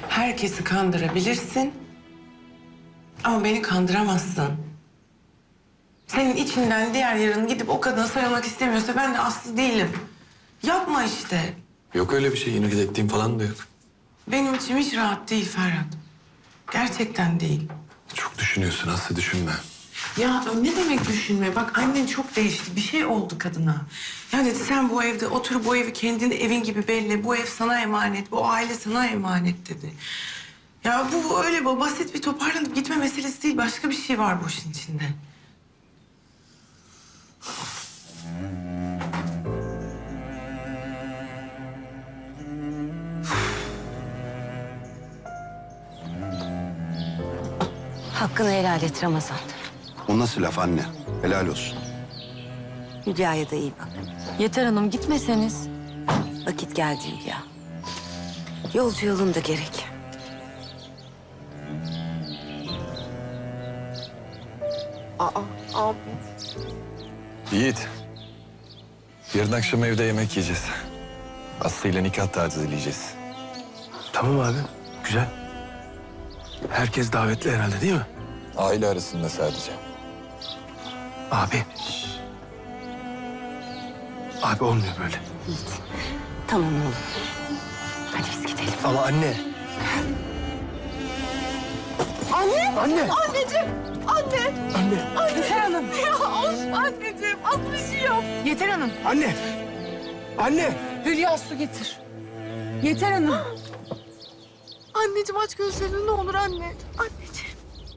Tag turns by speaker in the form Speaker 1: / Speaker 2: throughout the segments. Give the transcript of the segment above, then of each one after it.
Speaker 1: Herkesi kandırabilirsin. Ama beni kandıramazsın. Senin içinden diğer yarın gidip o kadına sarılmak istemiyorsa ben de Aslı değilim. Yapma işte.
Speaker 2: Yok öyle bir şey. Yine gidettiğim falan da yok.
Speaker 1: Benim içim hiç rahat değil Ferhat. Gerçekten değil.
Speaker 2: Çok düşünüyorsun Aslı, düşünme.
Speaker 1: Ya ne demek düşünme? Bak annen çok değişti. Bir şey oldu kadına. Ya dedi sen bu evde otur, bu evi kendin evin gibi belli. Bu ev sana emanet, bu aile sana emanet dedi. Ya bu öyle basit bir toparlanıp gitme meselesi değil. Başka bir şey var bu işin içinde.
Speaker 3: Hakkını helal et Ramazan.
Speaker 4: O nasıl laf anne? Helal olsun.
Speaker 3: Hülya'ya da iyi bak.
Speaker 5: Yeter Hanım gitmeseniz.
Speaker 3: Vakit geldi Hülya. Yolcu yolunda gerek.
Speaker 2: Yiğit. Yarın akşam evde yemek yiyeceğiz. Aslı ile nikah tazeleyeceğiz.
Speaker 6: Tamam abi, güzel. Herkes davetli herhalde değil mi?
Speaker 2: Aile arasında sadece.
Speaker 6: Abi. Abi olmuyor böyle.
Speaker 3: Yiğit. Tamam oğlum. Hadi biz gidelim.
Speaker 6: Ama anne.
Speaker 5: Anne!
Speaker 6: Anne.
Speaker 5: Anneciğim! Anne!
Speaker 6: Anne.
Speaker 5: Yeter Hanım! Ya of anneciğim! Az bir şey yok. Yeter Hanım!
Speaker 6: Anne. Anne.
Speaker 5: Hülya su getir. Yeter Hanım! Anneciğim aç gözlerini ne olur anne. Anneciğim.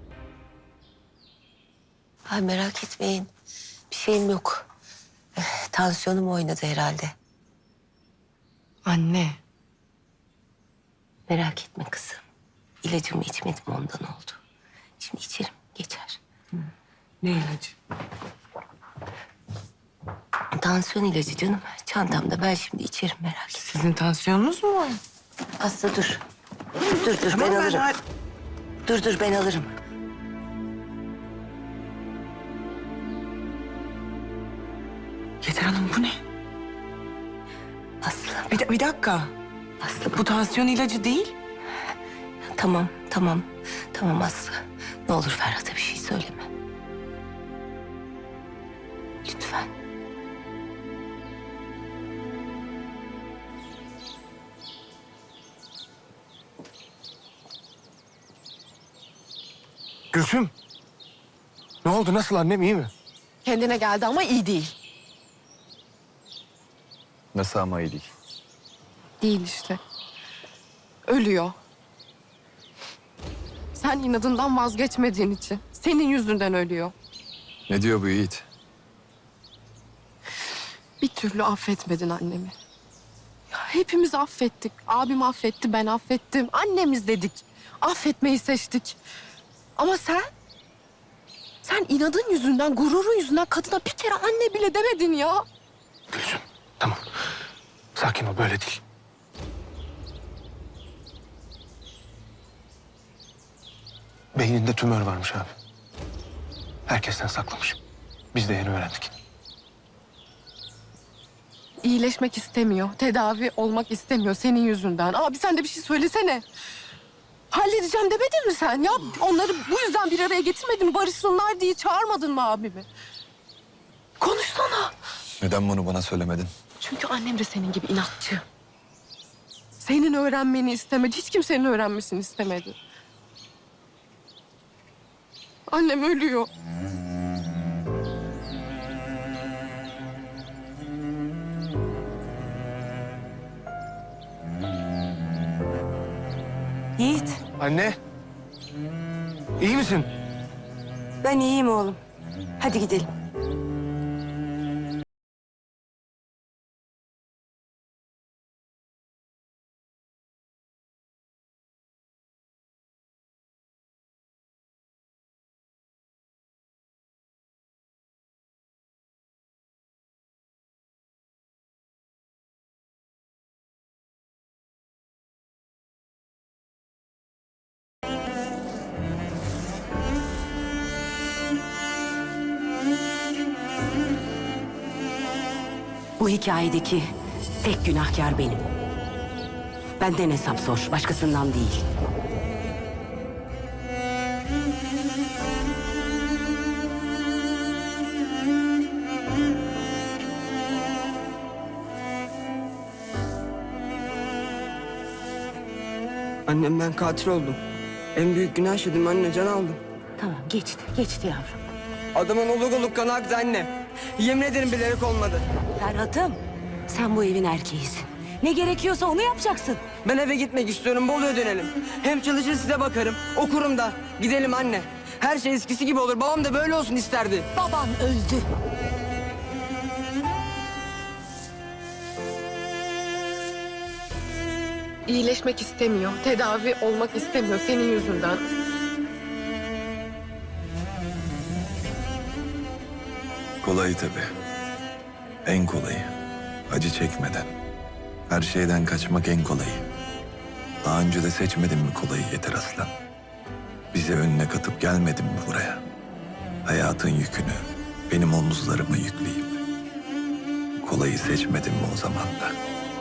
Speaker 3: Ay merak etmeyin. Bir şeyim yok. Tansiyonum oynadı herhalde.
Speaker 1: Anne.
Speaker 3: Merak etme kızım. İlacımı içmedim ondan oldu. Şimdi içerim geçer.
Speaker 1: Ne ilacı?
Speaker 3: Tansiyon ilacı canım. Çantamda ben şimdi içerim merak etme.
Speaker 1: Sizin tansiyonunuz mu var?
Speaker 3: Aslı dur. Dur ben
Speaker 1: Tamam,
Speaker 3: alırım. Dur ben alırım.
Speaker 1: Yeter Hanım bu ne?
Speaker 3: Aslı.
Speaker 1: Bir dakika.
Speaker 3: Aslı
Speaker 1: Bu tansiyon ilacı değil.
Speaker 3: Tamam. Tamam Aslı. Ne olur Ferhat'a bir şey söyleme. Lütfen.
Speaker 6: Gülsüm. Ne oldu? Nasıl annem? İyi mi?
Speaker 5: Kendine geldi ama iyi değil.
Speaker 2: Nasıl ama iyi değil?
Speaker 5: Değil işte. Ölüyor. Sen inadından vazgeçmediğin için. Senin yüzünden ölüyor.
Speaker 2: Ne diyor bu Yiğit?
Speaker 5: Bir türlü affetmedin annemi. Ya hepimiz affettik. Abim affetti, ben affettim. Annemiz dedik. Affetmeyi seçtik. Ama sen inadın yüzünden, gururun yüzünden kadına bir kere anne bile demedin ya.
Speaker 6: Gülsüm. Tamam. Sakin ol. Böyle değil. Beyninde tümör varmış abi. Herkesten saklamış. Biz de yeni öğrendik.
Speaker 5: İyileşmek istemiyor, tedavi olmak istemiyor senin yüzünden. Abi sen de bir şey söylesene. Halledeceğim demedin mi sen? Ya onları bu yüzden bir araya getirmedin mi? Barışsınlar diye çağırmadın mı abimi? Konuşsana.
Speaker 2: Neden bunu bana söylemedin?
Speaker 5: Çünkü annem de senin gibi inatçı. Senin öğrenmeni istemedi. Hiç kimsenin öğrenmesini istemedi. Annem ölüyor.
Speaker 3: Yiğit.
Speaker 6: Anne. İyi misin?
Speaker 3: Ben iyiyim oğlum. Hadi gidelim. Bu hikayedeki tek günahkar benim.
Speaker 7: Benden hesap sor, başkasından değil.
Speaker 8: Annem ben katil oldum. En büyük günah işledim anne, can aldım.
Speaker 7: Tamam, geçti yavrum.
Speaker 8: Adamın oluk oluk kanı aktı anne. Yemin ederim bilerek olmadı.
Speaker 7: Ferhat'ım, sen bu evin erkeğisin. Ne gerekiyorsa onu yapacaksın.
Speaker 8: Ben eve gitmek istiyorum, Bolu'ya dönelim. Hem çalışır size bakarım, okurum da. Gidelim anne. Her şey eskisi gibi olur. Babam da böyle olsun isterdi.
Speaker 7: Baban öldü.
Speaker 5: İyileşmek istemiyor, tedavi olmak istemiyor senin yüzünden.
Speaker 2: Kolayı tabii. En kolayı. Acı çekmeden. Her şeyden kaçmak en kolayı. Daha önce de seçmedin mi kolayı Yeter Aslan? Bize önüne katıp gelmedin mi buraya? Hayatın yükünü benim omuzlarıma yükleyip. Kolayı seçmedin mi o zaman da?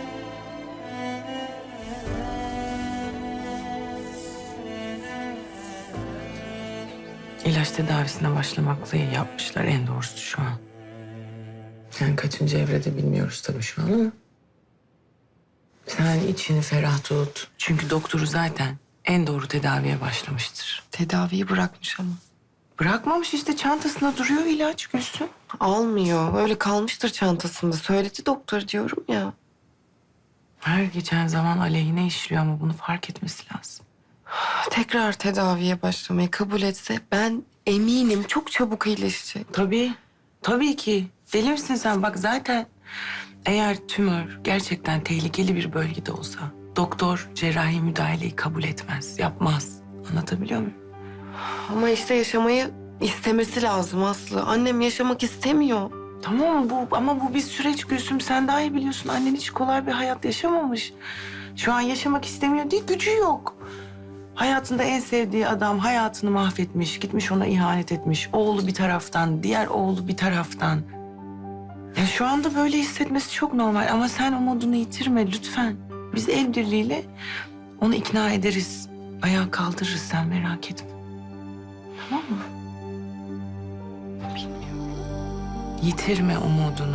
Speaker 1: İlaç tedavisine başlamakla iyi yapmışlar. En doğrusu şu an. Yani kaçıncı evrede bilmiyoruz tabii şu an ama. Sen içini ferah tut. Çünkü doktoru zaten en doğru tedaviye başlamıştır.
Speaker 5: Tedaviyi bırakmış ama.
Speaker 1: Bırakmamış işte, çantasında duruyor ilaç Gülsüm.
Speaker 5: Almıyor, öyle kalmıştır çantasında. Söyledi doktor diyorum ya.
Speaker 1: Her geçen zaman aleyhine işliyor ama bunu fark etmesi lazım.
Speaker 5: Tekrar tedaviye başlamayı kabul etse ben eminim çok çabuk iyileşecek.
Speaker 1: Tabii, tabii ki. Deli misin sen? Bak zaten eğer tümör gerçekten tehlikeli bir bölgede olsa doktor cerrahi müdahaleyi kabul etmez, yapmaz. Anlatabiliyor muyum?
Speaker 5: Ama işte yaşamayı istemesi lazım Aslı. Annem yaşamak istemiyor.
Speaker 1: Tamam ama bu bir süreç Gülsüm. Sen daha iyi biliyorsun. Annen hiç kolay bir hayat yaşamamış. Şu an yaşamak istemiyor değil, gücü yok. Hayatında en sevdiği adam hayatını mahvetmiş, gitmiş ona ihanet etmiş. Oğlu bir taraftan, diğer oğlu bir taraftan. Ya şu anda böyle hissetmesi çok normal ama sen umudunu yitirme lütfen. Biz el birliğiyle onu ikna ederiz. Ayağa kaldırırız, sen merak etme. Tamam mı? Bilmiyorum. Yitirme umudunu.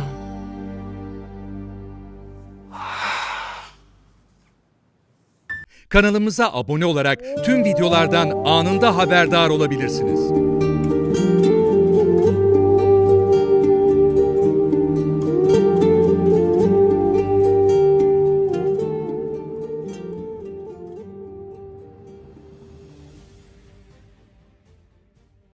Speaker 9: Kanalımıza abone olarak tüm videolardan anında haberdar olabilirsiniz.